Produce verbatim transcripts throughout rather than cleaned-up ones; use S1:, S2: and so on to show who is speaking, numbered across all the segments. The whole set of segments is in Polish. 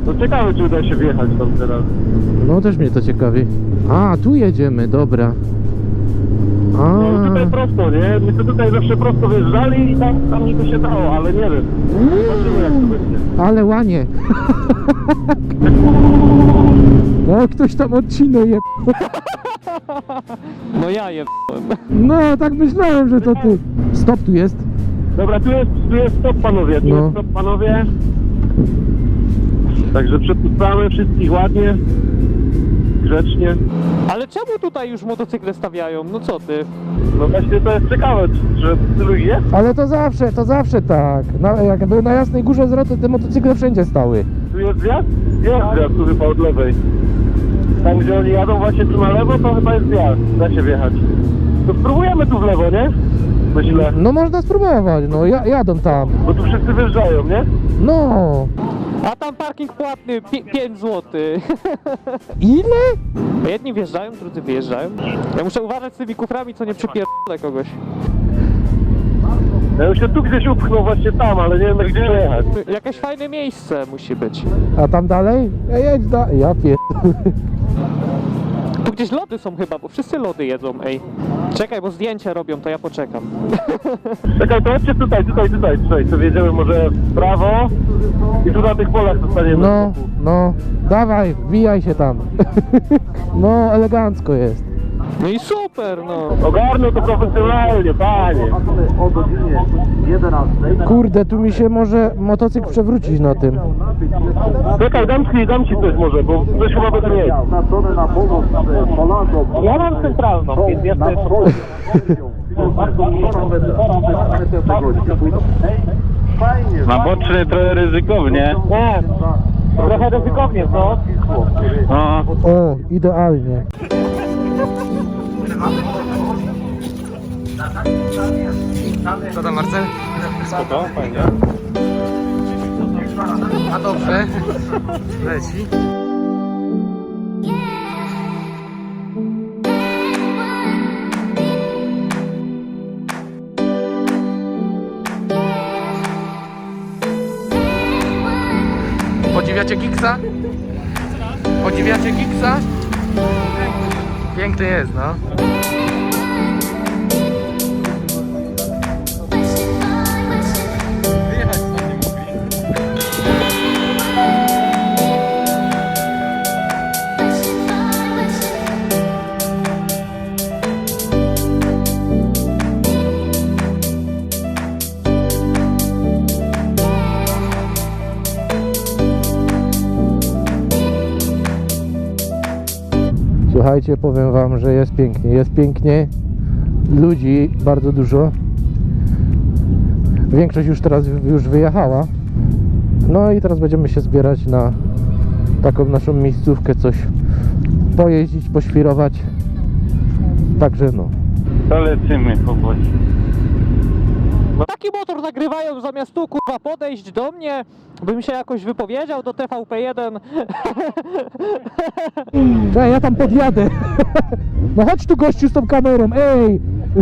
S1: No ciekawe, czy uda się wjechać tam teraz.
S2: No też mnie to ciekawi. A, tu jedziemy, dobra. A,
S1: No tutaj prosto, nie? My to tutaj zawsze prosto wjeżdżali i tam, tam niby się dało, ale nie wiem. Zobaczymy, jak to będzie.
S2: ale łanie. No, ktoś tam odcinał je.
S3: No ja je...
S2: No, tak myślałem, że to ty. Stop, tu jest.
S1: Dobra, tu jest, tu jest stop, panowie, tu
S2: No.
S1: jest stop, panowie. Także przepuszczamy wszystkich ładnie, grzecznie.
S3: Ale czemu tutaj już motocykle stawiają? No co ty?
S1: No właśnie to jest ciekawe, że tylu ich jest.
S2: Ale to zawsze, to zawsze tak. Na, jak były na Jasnej Górze zwroty, te motocykle wszędzie stały.
S1: Tu jest zjazd? Jest zjazd, tu chyba od lewej. Tam gdzie oni jadą właśnie tu na lewo, to chyba jest zjazd, da się wjechać. To spróbujemy tu w lewo, nie? Myślę,
S2: No można spróbować, no ja, jadą tam.
S1: bo tu wszyscy wyjeżdżają, nie?
S2: No.
S3: A tam parking płatny, pięć złotych.
S2: Ile?
S3: Jedni wjeżdżają, drudzy wyjeżdżają. Ja muszę uważać z tymi kuframi, co nie przypierdolę kogoś.
S1: Ja już się tu gdzieś upchnął właśnie tam, ale nie wiem jak gdzie jechać.
S3: Jakieś fajne miejsce musi być.
S2: A tam dalej? Ja jedź da... Ja pier...
S3: Tu gdzieś lody są chyba, bo wszyscy lody jedzą, ej. Czekaj, bo zdjęcia robią, to ja poczekam.
S1: Czekaj, to chodźcie tutaj, tutaj, tutaj, tutaj. To wjedziemy może w prawo i tu na tych polach zostaniemy.
S2: No, no. Dawaj, wbijaj się tam. No, elegancko jest.
S3: No i super, no.
S1: Ogarnął to profesjonalnie, panie.
S4: O godzinie jedenastej.
S2: Kurde, tu mi się może motocykl przewrócić na tym.
S1: Czekaj, dam ci, dam ci coś może, bo coś chyba będę mieć.
S4: Naznaczony na pomoc e, Polakom.
S1: Ja mam centralną, więc ja
S4: Na
S1: też...
S4: wschodzie. Bardzo dużo nawet tego Fajnie.
S1: Na boczny trochę ryzykownie. Nie, trochę ryzykownie, co? No.
S2: O, idealnie. Co tam, Marcel?
S1: Spoko, fajnie.
S2: A dobrze. Leci. Podziwiacie Gigsa? Podziwiacie Gigsa? Piękny jest, no. Słuchajcie, powiem wam, że jest pięknie, jest pięknie, ludzi bardzo dużo, większość już teraz już wyjechała, no i teraz będziemy się zbierać na taką naszą miejscówkę, coś pojeździć, poświrować, także no.
S1: To lecimy, chłopaki.
S3: Taki motor nagrywają zamiast tu, kurwa, podejść do mnie, bym się jakoś wypowiedział do T V P jeden.
S2: Cześć, ja tam podjadę. No chodź tu, gościu, z tą kamerą, ej!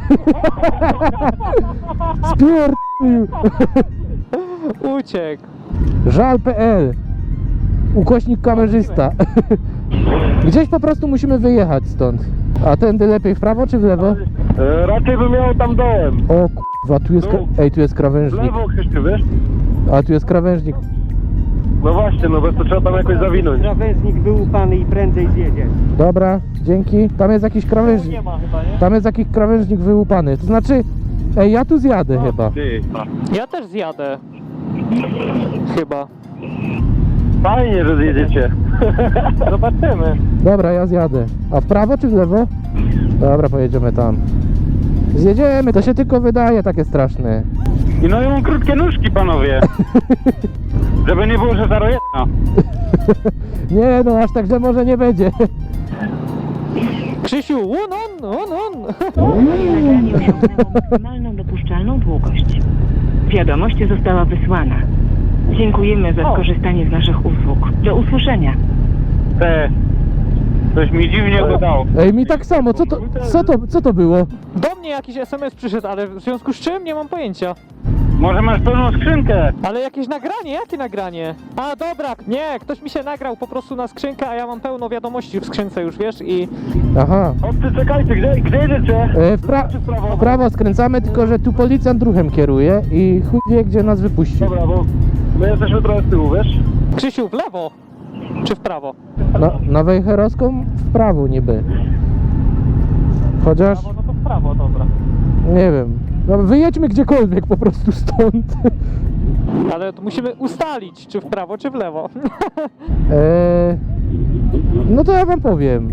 S2: Spierdolił.
S3: Uciekł.
S2: żal kropka p l ukośnik kamerzysta. Gdzieś po prostu musimy wyjechać stąd. A tędy lepiej w prawo czy w lewo?
S1: E, raczej bym miał tam dołem.
S2: O kurwa, tu jest... kra- Ej, tu jest
S1: W
S2: krawężnik.
S1: lewo, Krzysztof, wiesz?
S2: A tu jest krawężnik.
S1: No właśnie, no bo to trzeba tam jakoś zawinąć.
S5: Krawężnik wyłupany i prędzej zjedzie.
S2: Dobra, dzięki. Tam jest jakiś krawężnik.
S3: Nie ma chyba, nie?
S2: Tam jest jakiś krawężnik wyłupany. To znaczy... Ej, ja tu zjadę chyba.
S1: Ty.
S3: Ja też zjadę. Chyba.
S1: Fajnie, że zjedziecie. Zobaczymy.
S2: Dobra, ja zjadę. A w prawo czy w lewo? Dobra, pojedziemy tam. Zjedziemy, to się tylko wydaje takie straszne.
S1: I no i mam krótkie nóżki, panowie. Żeby nie było, że zero jedna.
S2: Nie no, aż tak, że może nie będzie.
S3: Krzysiu, on, on, on, on.
S6: Nagranie osiągnęło maksymalną dopuszczalną długość. Wiadomość została wysłana. Dziękujemy za skorzystanie z naszych usług. Do usłyszenia.
S1: Te. Coś mi dziwnie gadało.
S2: Ej, mi tak samo, co to, co to, co to było?
S3: Do mnie jakiś S M S przyszedł, ale w związku z czym nie mam pojęcia.
S1: Może masz pełną skrzynkę?
S3: Ale jakieś nagranie? Jakie nagranie? A dobra, nie, ktoś mi się nagrał po prostu na skrzynkę, a ja mam pełno wiadomości w skrzynce już, wiesz, i...
S2: Aha.
S1: Obcy, czekajcie, gdzie, gdzie jedziecie?
S2: E, w, pra
S1: Czy w prawo?
S2: w prawo skręcamy, tylko że tu policjant ruchem kieruje i chuj wie, gdzie nas wypuści.
S1: Dobra, bo my jesteśmy trochę z tyłu, wiesz?
S3: Krzysiu, w lewo? Czy w prawo?
S2: Na, na Wejherowską w prawo niby. Chociaż,
S3: No to w prawo, dobra.
S2: nie wiem. No, wyjedźmy gdziekolwiek po prostu stąd.
S3: Ale to musimy ustalić, czy w prawo, czy w lewo.
S2: E, no to ja wam powiem.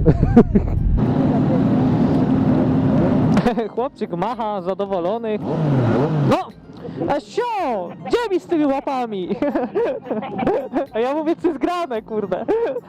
S3: Chłopczyk macha, zadowolony. No! A sio! Gdzie mi z tymi łapami? A ja mówię, co zgrane, kurde.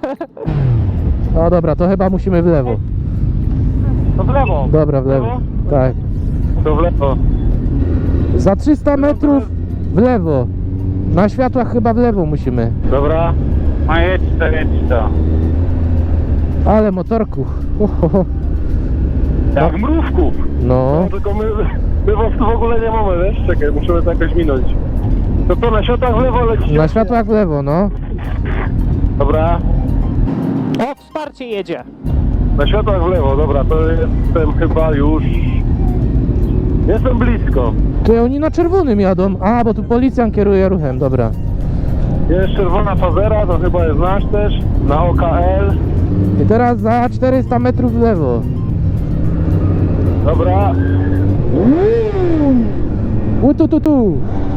S2: O dobra, to chyba musimy w lewo.
S1: To w lewo.
S2: Dobra, w lewo. Tak.
S1: To w lewo.
S2: Za trzysta metrów w lewo. Na światłach chyba w lewo musimy.
S1: Dobra. No jedź to, jedź to.
S2: Ale motorku. Ho, ho, ho.
S1: Jak mrówków.
S2: No.
S1: No tylko my, my was tu w ogóle nie mamy, wiesz? Czekaj, musimy to jakoś minąć. To co, na światłach w lewo lecicie?
S2: Na światłach w lewo, no.
S1: Dobra.
S3: O, wsparcie jedzie.
S1: Na światłach w lewo, dobra, to jestem chyba już... Jestem blisko.
S2: Ty oni na czerwonym jadą. A, bo tu policjant kieruje ruchem, dobra.
S1: Jest czerwona fazera, to chyba jest nasz też. Na O K L.
S2: I teraz za czterysta metrów w lewo.
S1: Dobra.
S2: U tu tu tu.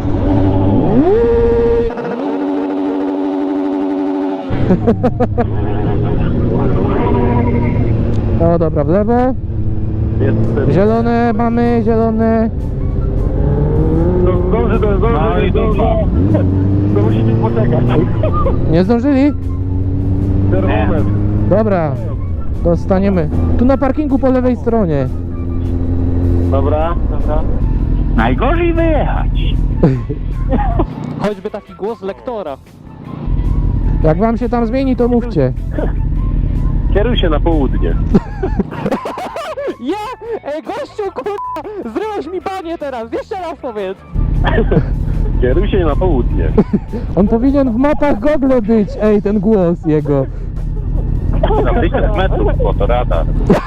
S2: O dobra, w lewo.
S1: Jestem.
S2: Zielone mamy, zielone.
S1: To zdąży, to zdąży,
S4: No i
S1: zdąży. To musicie poczekać.
S2: Nie zdążyli?
S1: Termometr.
S2: Dobra, dostaniemy. Tu na parkingu po lewej stronie.
S1: Dobra, dobra. Najgorzej wyjechać.
S3: Choćby taki głos lektora.
S2: Jak wam się tam zmieni, to mówcie.
S1: Kieruj się na południe.
S3: Ja! Ej, gościu, kurwa! Zryłeś mi banie teraz! Jeszcze raz powiedz!
S1: Kieruj się na południe.
S2: On powinien w mapach Google być, ej, ten głos jego.
S1: Na tysiąc metrów, bo to radar.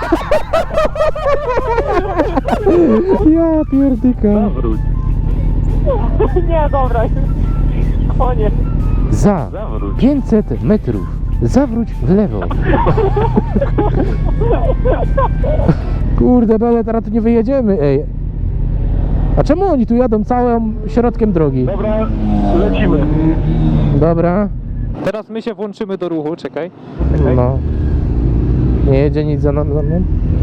S2: Ja pierdyka.
S1: Zawróć.
S3: Nie, dobra, koniec.
S2: Za
S1: Zawróć.
S2: pięćset metrów zawróć w lewo. Kurde, bele, teraz tu nie wyjedziemy, ej. A czemu oni tu jadą całym środkiem drogi?
S1: Dobra, lecimy.
S2: Dobra,
S3: Teraz my się włączymy do ruchu, czekaj.
S2: no. Nie jedzie nic za nam- za mną.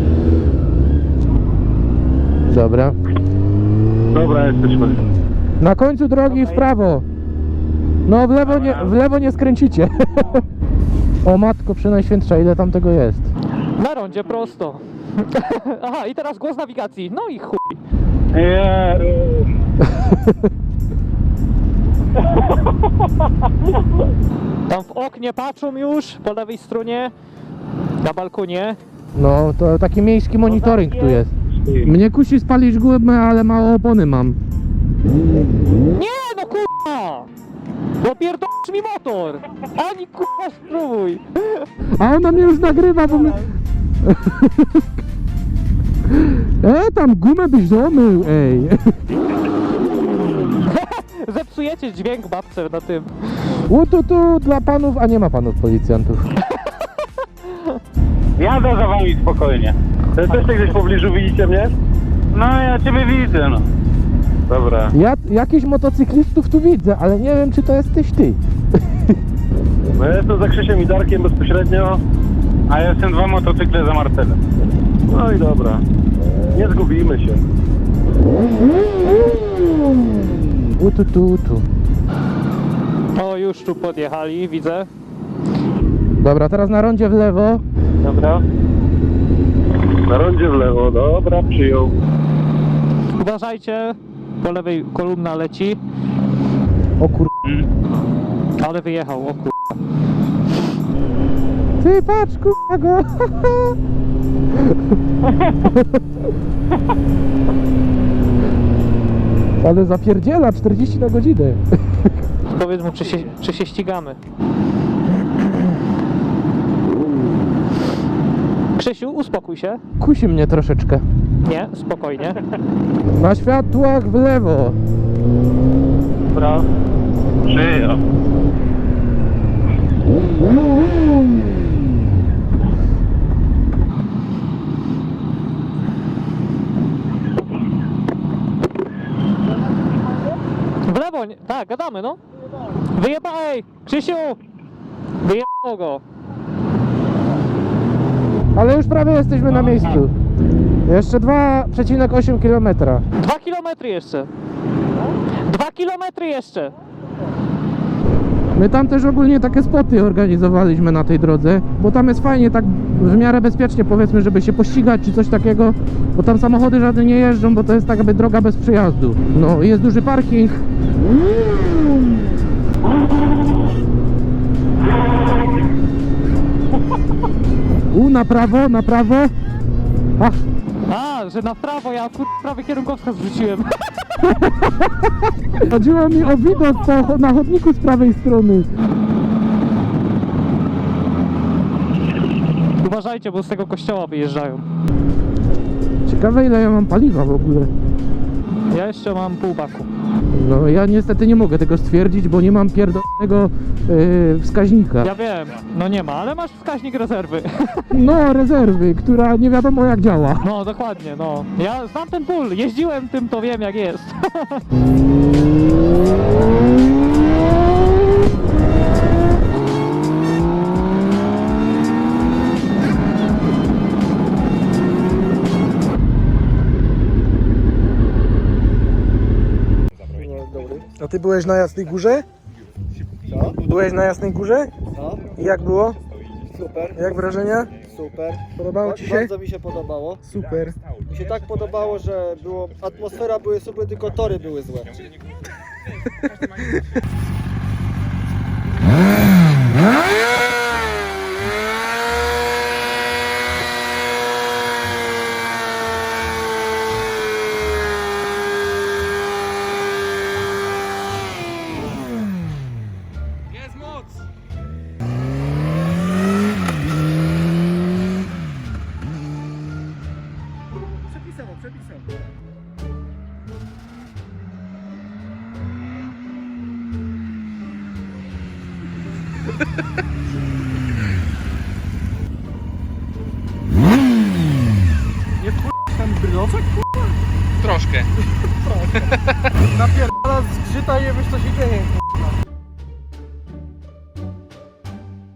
S2: Dobra.
S1: Dobra, jesteśmy.
S2: Na końcu drogi w prawo. No w lewo nie, w lewo nie skręcicie. O matko przenajświętsza, ile tam tego jest?
S3: Na rondzie prosto. Aha, i teraz głos nawigacji. No i chuj.
S1: Nie.
S3: Tam w oknie patrzą już, po lewej stronie. Na balkonie.
S2: No to taki miejski monitoring tu jest. Mnie kusi spalić gumę, ale mało opony mam.
S3: Nie no kurwa! Bo pierdolisz mi motor! Ani kurwa spróbuj!
S2: A ona mnie już nagrywa, bo my... E, tam gumę byś domył, ej.
S3: Zepsujecie dźwięk babce na tym.
S2: U tu tu dla panów, a nie ma panów policjantów.
S1: Jadę za wami spokojnie. To jesteście gdzieś w pobliżu, widzicie mnie? No, ja ciebie widzę, no. Dobra.
S2: Ja jakichś motocyklistów tu widzę, ale nie wiem, czy to jesteś ty.
S1: No ja jestem za Krzysiem i Darkiem bezpośrednio. A ja jestem dwa motocykle za Marcelem. No i dobra. Nie zgubimy się.
S2: U tu tu tu.
S3: O, już tu podjechali, widzę.
S2: Dobra, teraz na rondzie w lewo.
S1: Dobra. Na rondzie w lewo, dobra, przyjął.
S3: Uważajcie, po lewej kolumna leci.
S2: O kur...
S3: Ale wyjechał, o kur...
S2: Ty patrz, kurwa go. Ale zapierdziela czterdzieści na godzinę.
S3: Powiedz mu, czy się, czy się ścigamy. Krzysiu, uspokój się.
S2: Kusi mnie troszeczkę.
S3: Nie, spokojnie.
S2: Na światłach w lewo.
S3: Dobra.
S1: Przyjął.
S3: W lewo, nie? Tak, gadamy, no. Wyjeba, ej, Krzysiu! Wyjebało go.
S2: Ale już prawie jesteśmy na miejscu. Jeszcze dwa przecinek osiem kilometra.
S3: Dwa kilometry jeszcze. Dwa kilometry jeszcze.
S2: My tam też ogólnie takie spoty organizowaliśmy na tej drodze, bo tam jest fajnie, tak w miarę bezpiecznie, powiedzmy, żeby się pościgać czy coś takiego, bo tam samochody żadne nie jeżdżą, bo to jest tak jakby droga bez przejazdu. No, jest duży parking. U, na prawo, na prawo. A,
S3: A, że na prawo, ja kur... prawy kierunkowskaz wrzuciłem.
S2: chodziło mi o widok po, na chodniku z prawej strony.
S3: Uważajcie, bo z tego kościoła wyjeżdżają.
S2: Ciekawe, ile ja mam paliwa w ogóle.
S3: Ja jeszcze mam pół baku.
S2: No ja niestety nie mogę tego stwierdzić, bo nie mam pierdolnego yy, wskaźnika.
S3: Ja wiem, no nie ma, ale masz wskaźnik rezerwy.
S2: No, rezerwy, która nie wiadomo jak działa.
S3: No, dokładnie, no. Ja znam ten ból, jeździłem tym, to wiem jak jest.
S7: A ty byłeś na Jasnej Górze? Co? Byłeś na Jasnej Górze?
S8: No,
S7: I jak było?
S8: super,
S7: Jak wrażenia?
S8: super.
S7: Podobało ci się?
S8: Bardzo mi się podobało.
S7: Super.
S8: Mi się tak podobało, że było, atmosfera były super, tylko tory były złe.
S7: Napierdala z grzyta i wiesz co się dzieje.